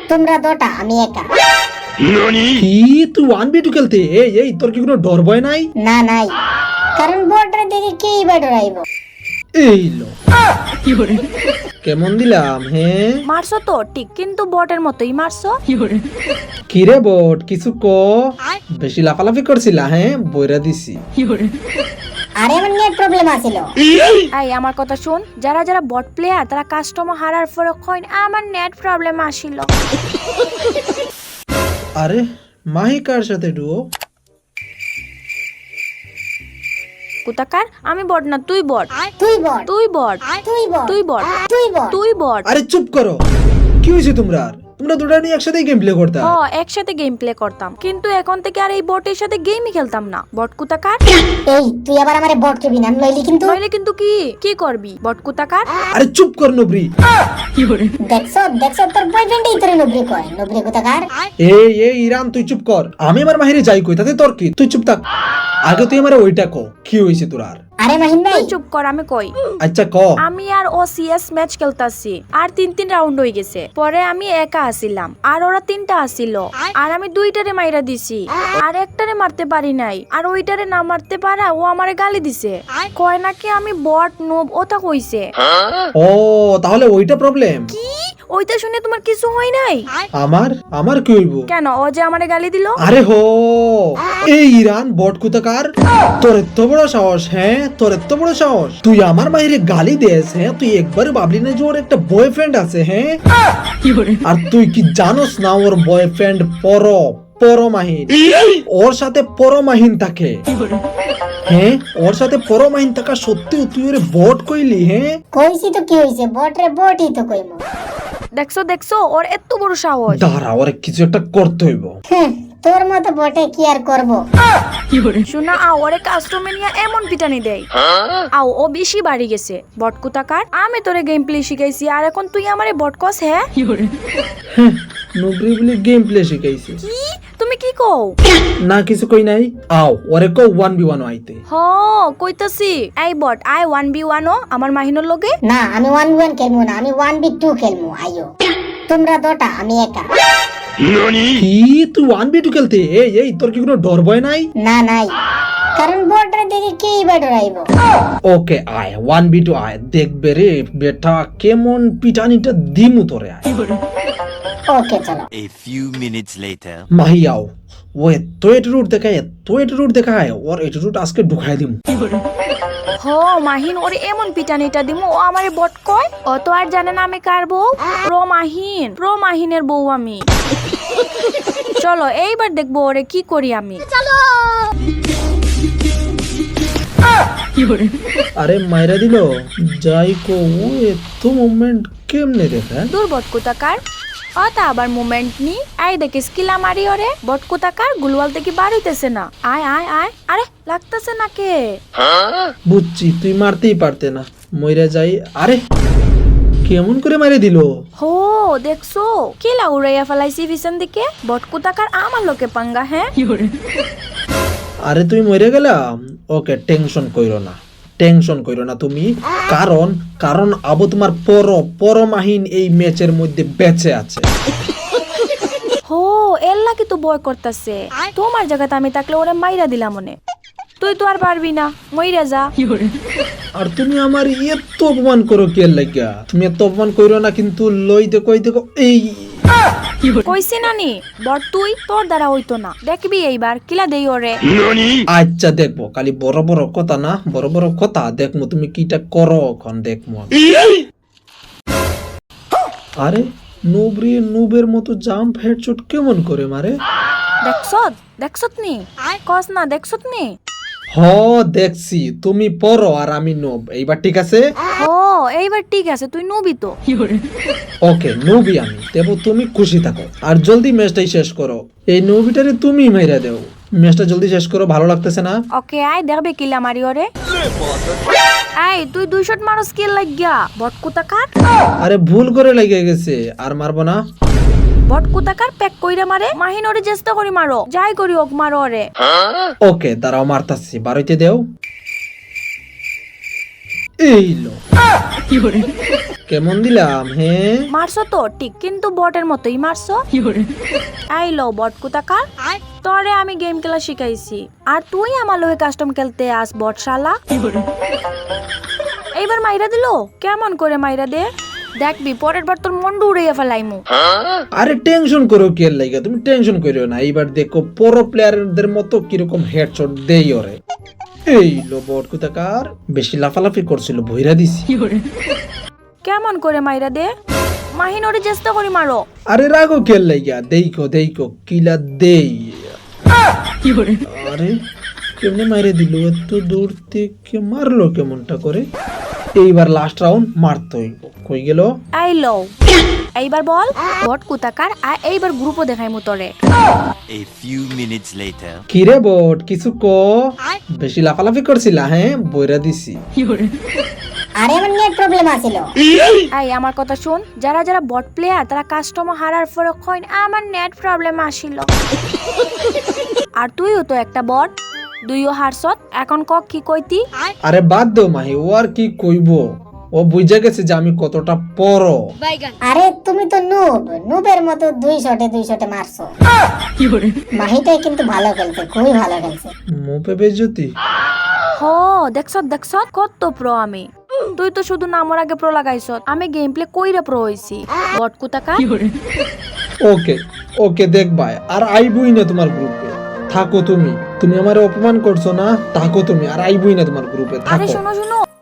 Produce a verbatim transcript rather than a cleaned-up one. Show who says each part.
Speaker 1: তোমরা দুটা আমি একা।
Speaker 2: কি তুই ওয়ান বি টু খেলতে? এই এই তোর কি কোনো ডর ভয় নাই?
Speaker 1: না নাই, কারণ বটরে দেখে কেই বা ডরাইব।
Speaker 2: এই লো কেমন দিলাম? হ্যাঁ
Speaker 3: মারছো তো ঠিক, কিন্তু বটের মতোই মারছো।
Speaker 2: কি রে বট, কিছু ক। বেশি লাফালাফি করছিলা? হ্যাঁ বইরা দিছি।
Speaker 1: আরে আমার নেট প্রবলেম আছিল।
Speaker 3: এই আমার কথা শুন, যারা যারা বট প্লেয়ার তারা কাস্টমার হারার পরে কইন আমার নেট প্রবলেম আসিল।
Speaker 2: আরে মাহি কার সাথে ডুও?
Speaker 3: কুতাকার আমি বট না, তুই বট,
Speaker 1: তুই বট,
Speaker 3: তুই বট,
Speaker 1: তুই বট,
Speaker 3: তুই বট,
Speaker 1: তুই বট।
Speaker 3: তুই বট।
Speaker 2: আরে চুপ করো, কি হয়েছে তোমরা? তোমরা দুটা নিয়ে একসাথে গেম প্লে করতা?
Speaker 3: ও একসাথে গেম প্লে করতাম, কিন্তু এখন থেকে আর এই বটের সাথে গেমই খেলতাম না। বট কুতাকার,
Speaker 1: এই তুই আবার আমারে বট কবি না, নইলি কিন্তু।
Speaker 3: নইলে কিন্তু কি কি করবি বট কুতাকার?
Speaker 2: আরে চুপ কর নবরি।
Speaker 1: দেখছো দেখছো তোর বয়ফ্রেন্ডই তোরে নবরি কয়, নবরি কোথাকার।
Speaker 2: এই এই ইরান তুই চুপ কর, আমি আমার মাহিরে যাই কই তাতে তোর কি? তুই চুপ থাক, আগে তুই আমারে ওইটা ক, কি হইছে তোর? আর
Speaker 1: আরে মাহিন ভাই
Speaker 3: তুই চুপ কর, আমি কই।
Speaker 2: আচ্ছা ক।
Speaker 3: আমি আর ও সিএস ম্যাচ খেলতাছি, আর তিন তিন রাউন্ড হয়ে গেছে। পরে আমি একা আসিলাম, আর ওরা তিনটা আসিল, আর আমি দুইটারে মাইরা দিছি, আর একটারে মারতে পারি নাই। আর ওইটারে না মারতে পারা ও আমারে গালি দিছে, কয় নাকি আমি বট নোব, ওটা কইছে।
Speaker 2: ও তাহলে ওইটা প্রবলেম?
Speaker 3: কি ওইটা শুনে তোমার কিছু হয় নাই?
Speaker 2: আমার আমার কি হইব?
Speaker 3: কেন, ও যে আমারে গালি দিল।
Speaker 2: আরে হো, এই ইরান বট কুতাকার, তোর এত বড় সাহস? হ্যাঁ তোর এত বড় সাহস, তুই আমার মাহিরে গালি দেস? হ্যাঁ তুই একবার ভাবলি না যে ওর একটা বয়ফ্রেন্ড আছে? হ্যাঁ আর তুই কি জানোস না ওর বয়ফ্রেন্ড পর পরমাহিন, ওর সাথে পরমাহিন থাকে। হ্যাঁ ওর সাথে পরমাহিন থাকা সত্যি তুই ওরে বট কইলি? হ্যাঁ
Speaker 1: কইছি তো কি হইছে, বটরে বটই তো কইমু।
Speaker 3: দেখছো দেখছো ওর এত বড় সাহস।
Speaker 2: দাঁড়া, ওরে কিছু একটা করতে হইব।
Speaker 1: হুম, তোর মতো বটে কি আর করব।
Speaker 3: শোনা আও, ওরে কাস্টমে নিয়ে এমন পিটানি দেয়। আও ও বেশি বাড়ি গেছে। বট কুতাকার, আমি তোরে গেম প্লে শিখাইছি, আর এখন তুই আমারে বট কস? হ্যাঁ
Speaker 2: নবরি বলে গেম প্লে শিখাইছে?
Speaker 3: কি তুমি কি কও?
Speaker 2: না কিছু কই নাই। আও ওরে কো ওয়ান বি ওয়ান আইতে।
Speaker 3: হ কইতাছি, এই বট আই ওয়ান বি ওয়ান ও আমার মাহিনোর লগে।
Speaker 1: না আমি ওয়ান বি ওয়ান খেলমু না, আমি ওয়ান বি টু খেলমু। আইও তোমরা দুটা আমি একা।
Speaker 2: কি তুই ওয়ান বি টু খেলতে? এই এই তোর কি কোনো ডর ভয় নাই?
Speaker 1: না নাই, কারণ বটরে দেখে কেই বা ডরাইব।
Speaker 2: ওকে আয় ওয়ান বি টু আয়, দেখবে রে বেটা কেমন পিটানিটা দিমু তোরে। আয়
Speaker 1: ওকে চলো।
Speaker 4: A few minutes later.
Speaker 2: Mahi আও, ও এত এটিটিউড দেখায়, এত এটিটিউড দেখায়, ওর এটিটিউড আজকে ঢুকাই দিমু।
Speaker 3: হ মাহিন ওরে এমন পিটানিটা দিমু, ও আমারে বট কয়। ও তো আর জানে না আমি কার বউ। প্রো মাহিন, প্রো মাহিনের বউ আমি। চলো এইবার দেখবো ওরে কি করি আমি।
Speaker 2: আরে মাইরা দিল যাই কো, ও এত মুভমেন্ট কেমনে দেখা?
Speaker 3: দূর বট কুতাকার, অতা আবার মুভমেন্ট নি। আই দেখে স্কিলা মারি ওরে। বট কুতাকার গুলওয়াল থেকে বার হইতেছে না। আয় আয় আয়, আরে লাগতেছে না কে?
Speaker 2: বুঝছি তুই মারতেই পারতে না, মইরা যাই। আরে কেমন করে মারে দিল?
Speaker 3: হো দেখছো কেলা উড়াইয়া ফেলাইছি পিছন দিকে। বট কুতাকার আমার লোকে পাঙ্গা। হ্যাঁ
Speaker 2: আরে তুই মরে গেলাম। ওকে টেনশন কইরো না, টেনশন কইরো না তুমি, কারণ কারণ আবু তোমার পর পরমাহিন এই ম্যাচের মধ্যে বেঁচে আছে।
Speaker 3: হো এর লাগি তো বয় করতেছে। তোমার জায়গাতে আমি থাকলে ওরে মাইরা দিলাম মনে। তুই তো আর পারবি না, মইরা যা।
Speaker 2: আর তুমি আমার এত অপমান করো কে লাগিয়া? তুমি এত অপমান কইরো না, কিন্তু লই দেখো এই দেখো এই।
Speaker 3: কইছি নানি বট তুই তোর দ্বারা হইতো না, দেখবি এইবার কিলা দেই ওরে।
Speaker 2: আচ্ছা দেখবো, খালি বড় বড় কথা না, বড় বড় কথা দেখবো তুমি কিটা করো এখন দেখবো। আরে নুবরি নুবের মতো জাম্প হেডশট কেমন করে মারে?
Speaker 3: দেখছত দেখছত নি কস না, দেখছত নি?
Speaker 2: হ দেখছি, তুমি পড়ো আর আমি নোব, এইবার ঠিক আছে?
Speaker 3: ও এইবার ঠিক আছে, তুই নবি তো।
Speaker 2: ওকে নবি আমি, দেবো তুমি খুশি থাকো। আর জলদি ম্যাচটাই শেষ করো, এই নবিটারে তুমি মাইরা দেও। ম্যাচটা জলদি শেষ করো, ভালো লাগতেছে না।
Speaker 3: ওকে আই দেখবে কিলা মারি ওরে। আই তুই দুই শট মারো স্কিল লাগিয়া বট কুতাকার।
Speaker 2: আরে ভুল করে লেগে গেছে, আর মারবো না।
Speaker 3: বট কুতাকার প্যাক কইরা মারে। মাহিন ওরে চেষ্টা করি মারো, যাই করি ওক মারো ওরে।
Speaker 2: ওকে দাঁড়াও মারতাছি, বারইতে দেও। এই লো কেমন দিলাম হ্যাঁ
Speaker 3: মারছো তো ঠিক, কিন্তু বটের মতোই মারছো। এই লো বট কোথাকার, তোরে আমি গেম খেলা শিখাইছি আর তুই আমার লগে কাস্টম খেলতে আস বট শালা। এইবার মাইরা দিলো, কেমন করে মাইরা দে দেখবি, পরের বার তোর মন উড়াইয়া ফেলাইমু।
Speaker 2: আরে টেনশন করো কি লাগা, তুমি টেনশন করিও না। এইবার দেখো প্রো প্লেয়ারদের মতো কিরকম হেডশট দেই ওরে। এই লো বট কোথাকার, বেশি লাফালাফি করছিল ভইরা দিছি।
Speaker 3: কেমন করে মাইরা দে, মাহিনোরে চেষ্টা করি মারো।
Speaker 2: আরে রাগো খেল লাগা, দেইকো দেইকো কিলা দেই। আরে কেমনে মাইরে দিল, এত দূর থেকে মারলো কেমনটা করে। এইবার লাস্ট রাউন্ড মারতে হইব। কই গেল?
Speaker 3: এই লো এইবার বল বট কোথাকার, আর এইবার গ্রুপও দেখাইমু তোরে।
Speaker 4: A few minutes later.
Speaker 2: কিরে বট কিছু ক, বেশি লাফালাফি করছিলা হ্যাঁ, বইরা দিছি।
Speaker 1: আরে আমার নেট প্রবলেম আছিল।
Speaker 3: এই আমার কথা শুন, যারা যারা বট প্লেয়ার তারা কাস্টমার হারার পরে কইন আমার নেট প্রবলেম আসিল। আর তুইও তো একটা বট, দুইও হারছত, এখন ক কি কইতি?
Speaker 2: আরে বাদ দাও মাহি, ও আর কি কইব, ও বুঝা গেছে যে আমি কতটা পড়।
Speaker 1: আরে তুমি তো নুব, নুবের মতো দুই শটে দুই শটে মারছো। মাহিটাই কিন্তু ভালো খেলছে, খুবই ভালো খেলছে।
Speaker 2: মোপে বেজতি।
Speaker 3: হ দেখছত দেখছত কত প্রো আমি। তুই তো শুধু নামর আগে প্রো লাগাইছ, আমি গেম প্লে কইরা প্রো হইছি। বট কোথাকা।
Speaker 2: ওকে ওকে দেখবা, আর আইবই না তোমার গ্রুপে। থাকো তুমি, তুমি আমারে অপমান করছো না, থাকো তুমি, আর আইবই না তোমার গ্রুপে
Speaker 3: আরে
Speaker 2: থাকো।
Speaker 3: শোনো শোনো